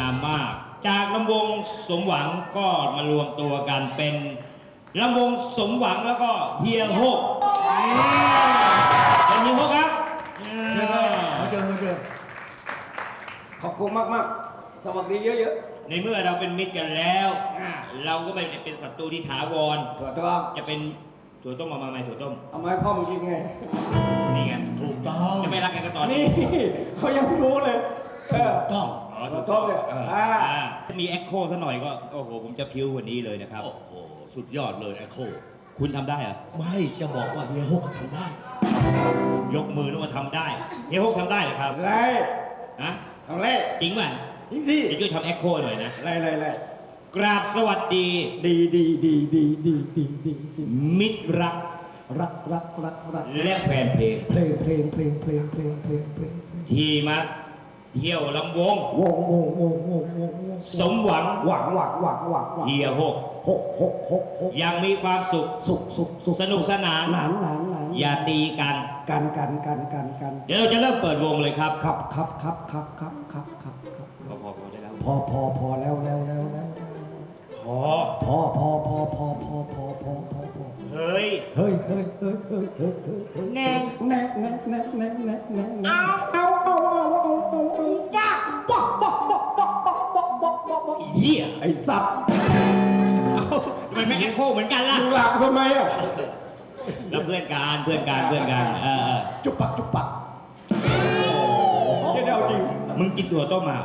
ามมาก จากลำวงสมหวังก็มารวมตัวกันเป็นลำวงสมหวังแล้วก็เฮียฮกเป็นเฮียฮกครับเจอขอบคุณมากสวัสดีเยอะๆในเมื่อเราเป็นมิตรกันแล้วเราก็ไม่เป็นศัตรูที่ถาวรถั่วต้มจะเป็นถั่วต้มมาไหมถั่วต้มเอาไม้พ่อมึงกินไงนี่ไงถูกต้องจะไม่รักกันก็ตอนนี้เขายังรู้เลยต้องถั่วต้มเนี่ยมีแอคโคซะหน่อยก็โอ้โหผมจะพิ้วกว่านี้เลยนะครับโอ้โหสุดยอดเลยแอคโคคุณทำได้เหรอไม่จะบอกว่าเฮียฮกทำได้ยกมือนึกว่าทำได้เฮียฮกทำได้เหรอครับไรทำไรจริงป่ะจริงสิเดี๋ยวช่วยทำแอคโคหน่อยนะไรกราบสวัสดีดีมิตรรักและแฟนเพลงที่มาเที่ยวลำวงสมหวังเฮียฮกยังมีความสุขสนุกสนานอย่าตีกันเดี๋ยวเราจะเริ่มเปิดวงเลยครับครับพอแล้วเฮ้ยแน่เหี้ยไอ้สัตว์ทำไมไม่แอคโคเหมือนกันล่ะดูหลังทำไมอ่ะแล้วเพื่อนกันจุบปักจะเดาจริงมึงกินถั่วต้มมา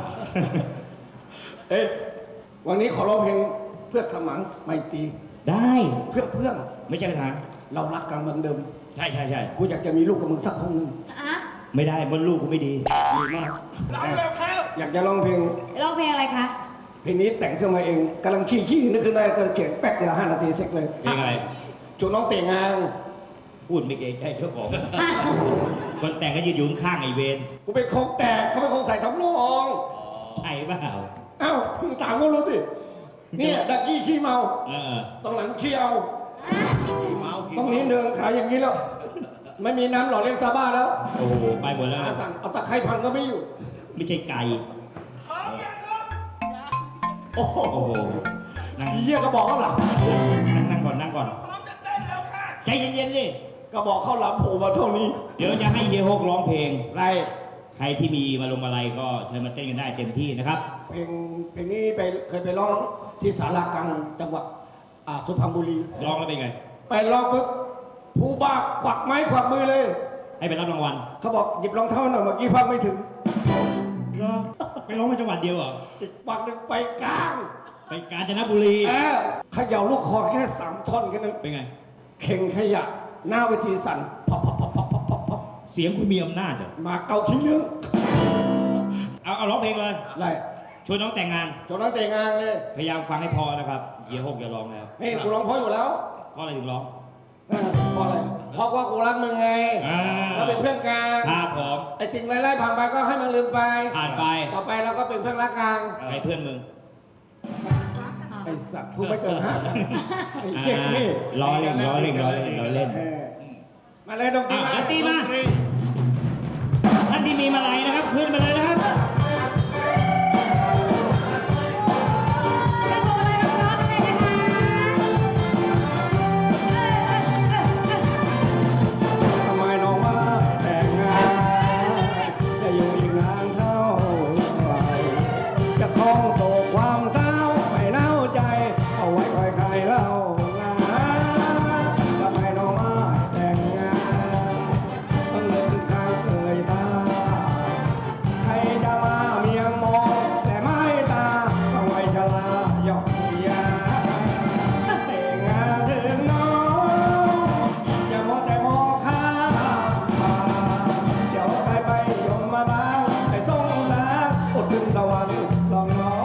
วันนี้ขอร้องเพลงเพื่อสมังไมตรีได้เพื่อนไม่ใช่ปัญหาเรารักกันเหมือนเดิมใช่กูอยากจะมีลูกกับมึงสักคนนึงไม่ได้บนลูกกูไม่ดีมากอยากจะร้องเพลงอะไรคะเพลงนี้แต่งขึ้นมาเองกำลังขี้นึกขึ้นได้ก็เขียนแป๊กเดียว5 นาทีเสร็จเลยเพลงอะไรจุดน้องเต่งงานพูดไม่เกรงใจเจ้าของคนแต่งก็ยืนอยู่ข้างไอเวนกูเป็นคงแตกเขาเป็นคงใส่ทำนองใช่เปล่ามึงต่างก็รู้สิเนี่ยดักกี้ขี้เมาตรงหลังขี้เอาต้องนี้เดินขายอย่างนี้แล้วไม่มีน้ำหล่อเลี้ยงซาบ้าแล้วโอ้โหไปหมดแล้วสั่งเอาตะไคร้พันก็ไม่อยู่ไม่ใช่ไก่โอ้โหนั่งเยี่ยก็บอกเขาหลับนั่งก่อนใจเย็นๆสิก็บอกเขาหลับโผล่มาเท่านี้เดี๋ยวจะให้เฮียฮกร้องเพลงไรใครที่มีมาลงอะไรก็เชิญมาเต้นกันได้เต็มที่นะครับเพลงนี้เคยไปร้องที่ศาลากลางจังหวัดสุพรรณบุรีร้องแล้วเป็นไงไปร้องปุ๊บผู้บ้าควักไม้ควักมือเลยให้ไปรับรางวัลเขาบอกหยิบรองเท้าหน่อยเมื่อกี้ฟังไม่ถึงไปร้องในจังหวัดเดียวเหรอปักหนึ่งไปกาญจนบุรีขย่าลูกคอแค่3 ท่อนแค่นั้นเป็นไงเข่งขยะหน้าเวทีสั่นพับเสียงคุณมีอำนาจเหรอมาเกาชิ้นเนื้อเอาร้องเพลงเลยไรชวนน้องแต่งงานเลยพยายามฟังให้พอนะครับเฮียฮกอย่าร้องแล้วกูร้องเพราะอยู่แล้วเพราะอะไรถึงร้องเพราะอะไรเพราะว่ากูรักมึงไงเราเป็นเพื่อนกันครับผมไอ้สิ่งไร้ๆผ่านไปก็ให้มันลืมไปผ่านไปต่อไปเราก็เป็นเพื่อนรักกันใครเพื่อนมึงไอ้สัตว์กูไม่เกิน5 ล้อเล่นมาเลยดนตรีมาท่านที่มีมาลัยนะครับขึ้นมาเลยนะครับทำไมน้องมาแต่งงานจะอยู่อีกนานเท่าไหร่จะคล้องโศกความเศร้าไม่เน่าใจเอาไว้คอยใครเล่างานทำไมน้องมาแต่งงานต้องเลิกข้างเอ่ยตาใครจะมาเมียงมองแต่ไม่ตาเอาไว้ชลาหยอกยาแต่งงานถึงน้องอย่ามัวแต่มองข้ามเดี๋ยวใครไปยมมาบ้างไอ้สงสารอดถึงตะวันลองน้อง